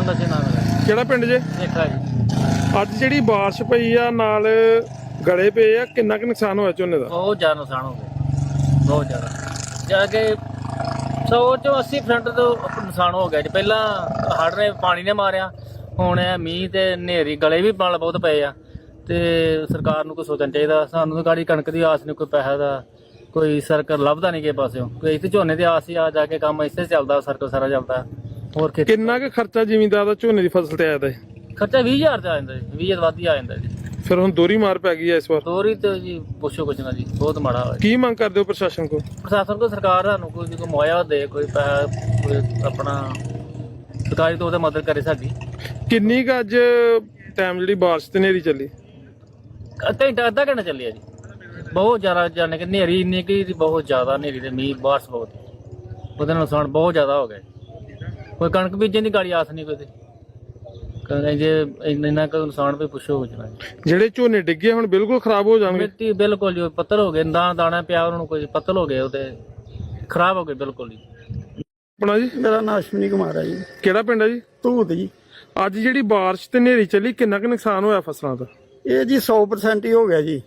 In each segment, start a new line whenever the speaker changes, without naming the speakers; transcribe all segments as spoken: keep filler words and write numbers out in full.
ਨਸ਼ੇ ਨਾ ਮਿਲੇ।
ਕਿਹੜਾ ਪਿੰਡ ਜੇ?
ਦੇਖਾ ਜੀ
ਅੱਜ ਜਿਹੜੀ ਬਾਰਿਸ਼ ਪਈ ਆ ਨਾਲ ਗਲੇ ਪਏ ਆ, ਕਿੰਨਾ ਕੁ ਨੁਕਸਾਨ ਹੋਇਆ ਝੋਨੇ ਦਾ?
ਬਹੁਤ ਜ਼ਿਆਦਾ ਨੁਕਸਾਨ ਹੋ ਗਿਆ, ਬਹੁਤ ਜ਼ਿਆਦਾ। ਜਾ ਕੇ ਸੌ ਚੋਂ ਅੱਸੀ ਪਰਸੈਂਟ ਤੋਂ ਨੁਕਸਾਨ ਹੋ ਗਿਆ ਜੀ। ਪਹਿਲਾਂ ਹੜ੍ਹ ਨੇ ਪਾਣੀ ਨੇ ਮਾਰਿਆ, ਹੁਣ ਇਹ ਮੀਂਹ ਤੇ ਹਨੇਰੀ, ਗਲੇ ਵੀ ਨਾਲ ਬਹੁਤ ਪਏ ਆ। ਤੇ ਸਰਕਾਰ ਨੂੰ ਕੁਛ ਸੋਚਣਾ ਚਾਹੀਦਾ। ਸਾਨੂੰ ਤਾਂ ਗਾੜੀ ਕਣਕ ਦੀ ਆਸ ਨਹੀਂ, ਕੋਈ ਪੈਸਾ ਦਾ ਕੋਈ ਸਰਕਲ ਲੱਭਦਾ ਨਹੀਂ ਕਿਸੇ ਪਾਸਿਓਂ। ਕੋਈ ਇੱਥੇ ਝੋਨੇ ਦੀ ਆਸ ਹੀ ਆ, ਜਾ ਕੇ ਕੰਮ ਇੱਥੇ ਚੱਲਦਾ, ਸਰਕਲ ਸਾਰਾ ਚੱਲਦਾ। ਹੋਰ ਖੇਤੀ
ਕਿੰਨਾ ਕੁ ਖਰਚਾ ਜ਼ਿਮੀਂਦਾਰ ਦਾ ਝੋਨੇ ਦੀ ਫਸਲ ਤੇ ਆਇਆ ਦਾ?
ਖਰਚਾ ਵੀਹ ਹਜ਼ਾਰ ਤੇ ਆ ਜਾਂਦਾ ਜੀ, ਵੀਹ ਹਜ਼ਾਰ ਵੱਧ ਹੀ ਆ ਜਾਂਦਾ ਜੀ।
ਫਿਰ ਹੁਣ ਦੋਹਰੀ ਮਾਰ ਪੈ ਗਈ ਆ ਇਸ ਵਾਰ।
ਦੋਹਰੀ ਤੇ ਜੀ ਪੁੱਛੋ ਕੁਛ ਨਾ ਜੀ, ਬਹੁਤ ਮਾੜਾ ਹੋਇਆ।
ਕੀ ਮੰਗ ਕਰਦੇ ਹੋ ਪ੍ਰਸ਼ਾਸਨ ਕੋਲ?
ਪ੍ਰਸ਼ਾਸਨ ਕੋਲ ਸਰਕਾਰ ਸਾਨੂੰ ਕੋਈ ਕੋਈ ਮੁਆਵਜ਼ਾ ਦੇ, ਕੋਈ ਪੈਸਾ, ਕੋਈ ਆਪਣਾ ਸਰਕਾਰੀ ਤੋਂ ਉਹਦਾ ਮਦਦ ਕਰੇ ਸਾਡੀ।
ਕਿੰਨੀ ਕੁ ਅੱਜ ਟਾਈਮ ਜਿਹੜੀ ਬਾਰਿਸ਼ ਤੇ ਹਨੇਰੀ ਚੱਲੀ?
ਘੰਟਾ ਅੱਧਾ ਘੰਟਾ ਚੱਲੀ ਆ ਜੀ। ਬਹੁਤ ਜ਼ਿਆਦਾ ਜਾਣੇ ਕਿ ਹਨੇਰੀ ਇੰਨੀ ਕਿ ਬਹੁਤ ਜ਼ਿਆਦਾ ਹਨੇਰੀ ਤੇ ਮੀਂਹ ਬਾਰਿਸ਼ ਬਹੁਤ, ਉਹਦੇ ਨਾਲ ਨੁਕਸਾਨ ਬਹੁਤ ਜ਼ਿਆਦਾ ਹੋ ਗਿਆ। ਕੋਈ ਕਣਕ ਬੀਜਣ ਦੀ ਗਾੜੀ ਆਸ ਨਹੀਂ ਕੋਈ ਤੇ ਜੇ ਇੰਨਾ ਕੁ ਨੁਕਸਾਨ ਵੀ ਪੁੱਛੋ ਕੁਛ ਨਾ।
ਜਿਹੜੇ ਝੋਨੇ ਡਿੱਗੇ ਹੁਣ ਬਿਲਕੁਲ ਖਰਾਬ ਹੋ ਜਾਣਗੇ?
ਮਿੱਟੀ ਬਿਲਕੁਲ ਜੀ ਪੱਤਲ ਹੋ ਗਏ, ਦਾਣਾ ਦਾਣਾ ਪਿਆ ਉਹਨਾਂ ਨੂੰ, ਕੋਈ ਪੱਤਲ ਹੋ ਗਏ, ਉਹਦੇ ਖਰਾਬ ਹੋ ਗਏ ਬਿਲਕੁਲ ਜੀ।
ਆਪਣਾ ਜੀ?
ਮੇਰਾ ਨਾਮ ਅਸ਼ਵਨੀ ਕੁਮਾਰ ਹੈ ਜੀ।
ਕਿਹੜਾ ਪਿੰਡ ਹੈ ਜੀ?
ਧੂਤ ਜੀ।
ਅੱਜ ਜਿਹੜੀ ਬਾਰਿਸ਼ ਤੇ ਹਨੇਰੀ ਚੱਲੀ, ਕਿੰਨਾ ਕੁ ਨੁਕਸਾਨ ਹੋਇਆ ਫਸਲਾਂ ਦਾ?
ਇਹ ਜੀ ਸੌ ਪਰਸੈਂਟ ਹੀ ਹੋ ਗਿਆ ਜੀ,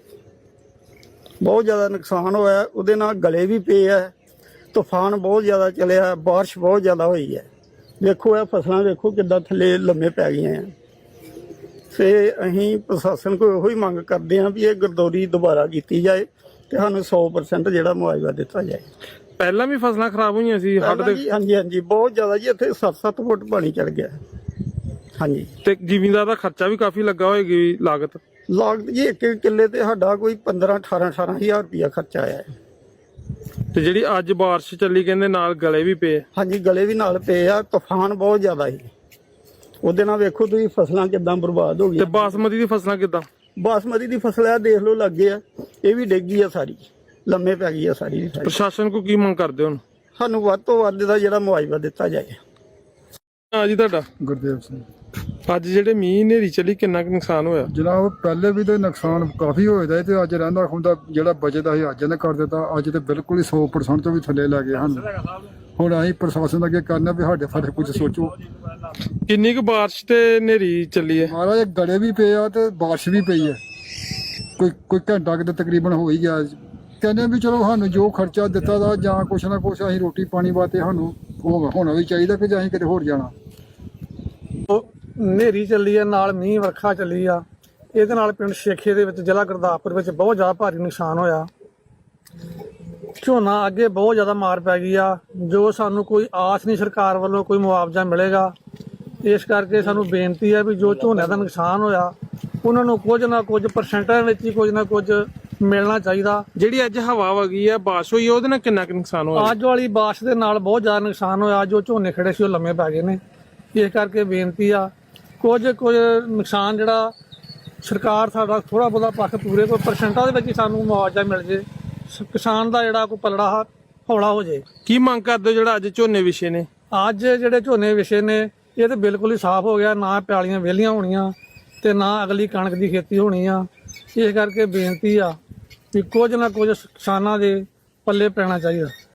ਬਹੁਤ ਜ਼ਿਆਦਾ ਨੁਕਸਾਨ ਹੋਇਆ। ਉਹਦੇ ਨਾਲ ਗਲੇ ਵੀ ਪਏ ਆ, ਤੂਫਾਨ ਬਹੁਤ ਜ਼ਿਆਦਾ ਚੱਲਿਆ, ਬਾਰਿਸ਼ ਬਹੁਤ ਜ਼ਿਆਦਾ ਹੋਈ ਹੈ। ਵੇਖੋ ਇਹ ਫਸਲਾਂ ਵੇਖੋ ਕਿੱਦਾਂ ਥੱਲੇ ਲੰਮੇ ਪੈ ਗਈਆਂ ਆ। ਤੇ ਅਸੀਂ ਪ੍ਰਸ਼ਾਸਨ ਕੋਲ ਇਹੋ ਹੀ ਮੰਗ ਕਰਦੇ ਹਾਂ ਵੀ ਇਹ ਗਰਦੌਰੀ ਦੁਬਾਰਾ ਕੀਤੀ ਜਾਏ ਤੇ ਸਾਨੂੰ ਸੌ ਪਰਸੈਂਟ ਜਿਹੜਾ ਮੁਆਵਜ਼ਾ ਦਿੱਤਾ ਜਾਏ।
ਪਹਿਲਾਂ ਵੀ ਫਸਲਾਂ ਖਰਾਬ ਹੋਈਆਂ ਸੀ ਹੜ੍ਹ ਦੇ?
ਹਾਂਜੀ ਹਾਂਜੀ ਬਹੁਤ ਜ਼ਿਆਦਾ ਜੀ, ਇੱਥੇ ਸੱਤ ਸੱਤ ਫੁੱਟ ਪਾਣੀ ਚੜ ਗਿਆ। ਹਾਂਜੀ।
ਤੇ ਜ਼ਿਮੀਂਦਾਰ ਦਾ ਖਰਚਾ ਵੀ ਕਾਫੀ ਲੱਗਾ ਹੋਏਗੀ, ਲਾਗਤ?
ਲਾਗਤ ਜੀ ਇੱਕ ਕਿੱਲੇ ਤੇ ਸਾਡਾ ਕੋਈ ਪੰਦਰਾਂ ਅਠਾਰਾਂ ਅਠਾਰਾਂ ਹਜ਼ਾਰ ਰੁਪਇਆ ਖਰਚਾ ਆਇਆ ਹੈ।
ਤੇ ਜਿਹੜੀ ਅੱਜ ਬਾਰਿਸ਼ ਚੱਲੀ ਕਹਿੰਦੇ ਨਾਲ ਗਲੇ ਵੀ ਪਏ?
ਹਾਂਜੀ ਗਲੇ ਵੀ ਨਾਲ ਪਏ ਆ, ਤੂਫਾਨ ਬਹੁਤ ਜ਼ਿਆਦਾ ਸੀ। ਉਹਦੇ ਨਾਲ ਵੇਖੋ ਤੁਸੀਂ ਫਸਲਾਂ ਕਿੱਦਾਂ ਬਰਬਾਦ ਹੋ ਗਈਆਂ।
ਤੇ ਬਾਸਮਤੀ ਦੀ ਫਸਲਾਂ ਕਿੱਦਾਂ?
ਬਾਸਮਤੀ ਦੀ ਫਸਲ ਆ ਦੇਖ ਲਓ ਲੱਗੇ ਆ, ਇਹ ਵੀ ਡਿੱਗ ਗਈ ਆ ਸਾਰੀ, ਲੰਮੇ ਪੈ ਗਈ ਆ ਸਾਰੀ।
ਪ੍ਰਸ਼ਾਸਨ ਕੋ ਕੀ ਮੰਗ ਕਰਦੇ ਹੋ?
ਸਾਨੂੰ ਵੱਧ ਤੋਂ ਵੱਧ ਦਾ ਜਿਹੜਾ ਮੁਆਵਜ਼ਾ ਦਿੱਤਾ ਜਾਏ।
ਹਾਂ ਜੀ ਤੁਹਾਡਾ?
ਗੁਰਦੇਵ ਸਿੰਘ।
ਅੱਜ ਜਿਹੜੇ ਮੀਂਹ ਹਨੇਰੀ ਚੱਲੀ, ਕਿੰਨਾ ਕੁ ਨੁਕਸਾਨ ਹੋਇਆ?
ਜਨਾਬ ਪਹਿਲੇ ਵੀ ਤੇ ਨੁਕਸਾਨ ਕਾਫੀ ਹੋਇਆ ਤੇ ਅੱਜ ਰਹਿੰਦਾ ਹੁੰਦਾ ਜਿਹੜਾ ਬਚਦਾ ਸੀ ਅੱਜ ਨੇ ਕਰ ਦਿੱਤਾ। ਅੱਜ ਤੇ ਬਿਲਕੁਲ ਹੀ ਸੌ ਪਰਸੈਂਟ ਤੋਂ ਵੀ ਥੱਲੇ ਲੱਗ ਗਏ ਹਨ। ਹੁਣ ਅਸੀਂ ਪ੍ਰਸ਼ਾਸਨ ਅੱਗੇ ਕਰਨਾ ਵੀ ਸਾਡੇ ਫਰਕ ਕੁਝ ਸੋਚੋ।
ਕਿੰਨੀ ਕੁ ਬਾਰਿਸ਼ ਤੇ ਹਨੇਰੀ ਚੱਲੀ ਹੈ?
ਮਹਾਰਾਜ ਗੜੇ ਵੀ ਪਏ ਆ ਤੇ ਬਾਰਿਸ਼ ਵੀ ਪਈ ਹੈ, ਕੋਈ ਕੋਈ ਘੰਟਾ ਕਿਤੇ ਤਕਰੀਬਨ ਹੋ ਹੀ ਗਿਆ। ਕਹਿੰਦੇ ਵੀ ਚਲੋ ਸਾਨੂੰ ਜੋ ਖਰਚਾ ਦਿੱਤਾ ਦਾ ਜਾਂ ਕੁਛ ਨਾ ਕੁਛ ਅਸੀਂ ਰੋਟੀ ਪਾਣੀ ਵਾਸਤੇ ਸਾਨੂੰ ਹੋਣਾ ਵੀ ਚਾਹੀਦਾ ਕਿ ਜਾਂ ਅਸੀਂ ਕਿਤੇ ਹੋਰ ਜਾਣਾ।
ਹਨੇਰੀ ਚੱਲੀ ਆ, ਨਾਲ ਮੀਂਹ ਵਰਖਾ ਚੱਲੀ ਆ। ਇਹਦੇ ਨਾਲ ਪਿੰਡ ਸ਼ੇਖੇ ਦੇ ਵਿੱਚ ਜ਼ਿਲ੍ਹਾ ਗੁਰਦਾਸਪੁਰ ਵਿੱਚ ਬਹੁਤ ਜ਼ਿਆਦਾ ਭਾਰੀ ਨੁਕਸਾਨ ਹੋਇਆ। ਝੋਨਾ ਅੱਗੇ ਬਹੁਤ ਜ਼ਿਆਦਾ ਮਾਰ ਪੈ ਗਈ ਆ, ਜੋ ਸਾਨੂੰ ਕੋਈ ਆਸ ਨਹੀਂ ਸਰਕਾਰ ਵੱਲੋਂ ਕੋਈ ਮੁਆਵਜ਼ਾ ਮਿਲੇਗਾ। ਇਸ ਕਰਕੇ ਸਾਨੂੰ ਬੇਨਤੀ ਹੈ ਵੀ ਜੋ ਝੋਨੇ ਦਾ ਨੁਕਸਾਨ ਹੋਇਆ ਉਹਨਾਂ ਨੂੰ ਕੁਝ ਨਾ ਕੁਝ ਪਰਸੈਂਟਾਂ ਵਿੱਚ ਹੀ ਕੁਝ ਨਾ ਕੁਝ ਮਿਲਣਾ ਚਾਹੀਦਾ।
ਜਿਹੜੀ ਅੱਜ ਹਵਾ ਵਗੀ ਆ, ਬਾਰਿਸ਼ ਹੋਈ, ਉਹਦੇ ਨਾਲ ਕਿੰਨਾ ਕੁ ਨੁਕਸਾਨ ਹੋਇਆ?
ਅੱਜ ਵਾਲੀ ਬਾਰਿਸ਼ ਦੇ ਨਾਲ ਬਹੁਤ ਜ਼ਿਆਦਾ ਨੁਕਸਾਨ ਹੋਇਆ। ਜੋ ਝੋਨੇ ਖੜੇ ਸੀ ਉਹ ਲੰਮੇ ਪੈ ਗਏ ਨੇ। ਇਸ ਕਰਕੇ ਬੇਨਤੀ ਆ ਕੁਝ ਕੁਝ ਨੁਕਸਾਨ ਜਿਹੜਾ ਸਰਕਾਰ ਸਾਡਾ ਥੋੜਾ ਬਹੁਤਾ ਪੱਖ ਪੂਰੇ ਕੋਈ ਪਰਸੈਂਟਾਂ ਦੇ ਵਿੱਚ ਹੀ ਸਾਨੂੰ ਮੁਆਵਜ਼ਾ ਮਿਲ ਜੇ, ਕਿਸਾਨ ਦਾ ਜਿਹੜਾ ਕੋਈ ਪਲੜਾ ਹੌਲਾ ਹੋ ਜੇ।
ਕੀ ਮੰਗ ਕਰਦੇ ਹੋ ਜਿਹੜਾ ਅੱਜ ਝੋਨੇ ਵਿਛੇ ਨੇ?
ਅੱਜ ਜਿਹੜੇ ਝੋਨੇ ਵਿਛੇ ਨੇ ਇਹ ਤਾਂ ਬਿਲਕੁਲ ਹੀ ਸਾਫ਼ ਹੋ ਗਿਆ, ਨਾ ਪਿਆਲੀਆਂ ਵਿਹਲੀਆਂ ਹੋਣੀਆਂ ਤੇ ਨਾ ਅਗਲੀ ਕਣਕ ਦੀ ਖੇਤੀ ਹੋਣੀ ਆ। ਇਸ ਕਰਕੇ ਬੇਨਤੀ ਆ ਵੀ ਕੁਝ ਨਾ ਕੁਝ ਕਿਸਾਨਾਂ ਦੇ ਪੱਲੇ ਪੈਣਾ ਚਾਹੀਦਾ।